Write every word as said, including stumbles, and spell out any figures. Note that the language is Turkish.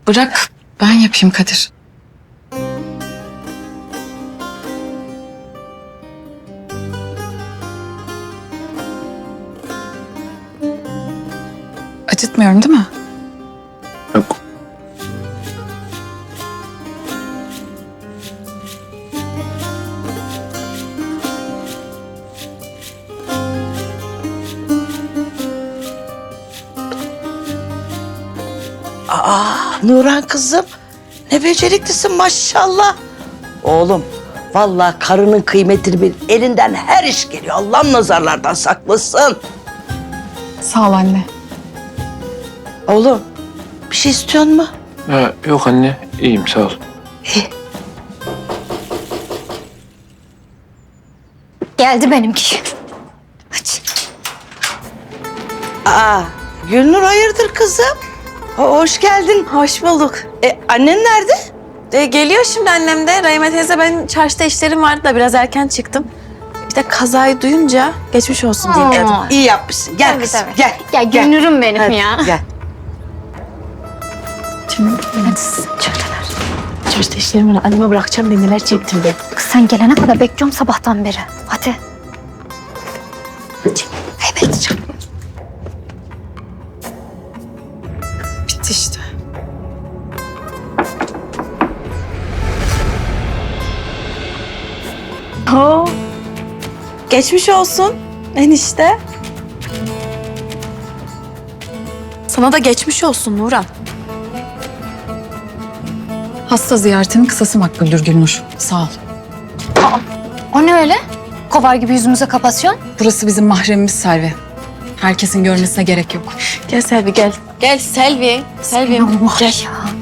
Bırak ben yapayım Kadir. Acıtmıyorum değil mi? Yok. Aa, Nurhan kızım, ne beceriklisin maşallah. Oğlum, vallahi karının kıymetini bil. Elinden her iş geliyor. Allah'ım nazarlardan saklasın. Sağ ol anne. Oğlum, bir şey istiyor mu? Ha, yok anne, iyiyim sağ ol. Geldi benimki. Aç. Aa, Gülnur hayırdır kızım? Ho- hoş geldin. Hoş bulduk. E, annen nerede? E, geliyor şimdi annem de. Rahime teyze, ben çarşıda işlerim vardı da biraz erken çıktım. İşte kazayı duyunca geçmiş olsun diye dedim. Aa. İyi yapmışsın. Gel Tabii, kızım, tabii. gel. Ya Gülnur'um benim Hadi, ya. Gel. Hadi çöreler. Çarşıda işlerim var. Anneme bırakacağım diye neler çektim ben. Kız sen gelene kadar bekliyorum sabahtan beri. Hadi. Evet. Bitti işte. Oo. Geçmiş olsun enişte. Sana da geçmiş olsun Nurhan. Hasta ziyaretinin kısası makbuldür Gülnur. Sağ ol. O ne öyle? Kovar gibi yüzümüze kapatıyorsun. Burası bizim mahremimiz Selvi. Herkesin görmesine gerek yok. Gel Selvi gel. Gel Selvi. Selvi. Allah Gel. ya.